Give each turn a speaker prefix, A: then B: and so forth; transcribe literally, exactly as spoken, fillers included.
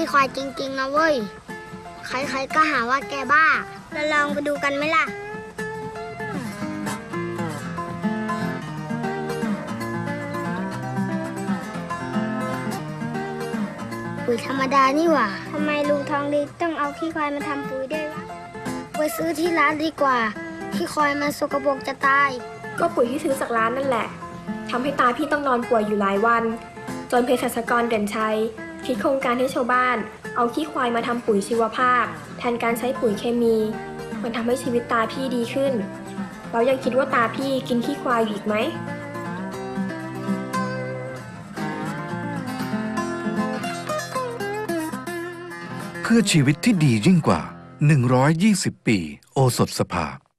A: ควายจริงๆนะเว้ยใครๆก็หาว่าแกบ้าเราลองไปดูกันไหมล่ะปุ๋ยธรรมดานี่หว่าทำไมลุงทองดีต้องเอาขี้ควายมาทำปุ๋ยด้วยวะไปซื้อที่ร้านดีกว่าขี้ควายมันสกปรกจะตาย
B: ก็ปุ๋ยที่ซื้อจากร้านนั่นแหละทำให้ตาพี่ต้องนอนป่วยอยู่หลายวันจนเภสัชกรเด่นชัยคิดโครงการให้ชาวบ้านเอาขี้ควายมาทำปุ๋ยชีวภาพแทนการใช้ปุ๋ยเคมีมันทำให้ชีวิตตาพี่ดีขึ้นแล้วยังคิดว่าตาพี่กินขี้ควายอยู่อีกไหม
C: เพื่อชีวิตที่ดียิ่งกว่าหนึ่งร้อยยี่สิบปีโอสถสภา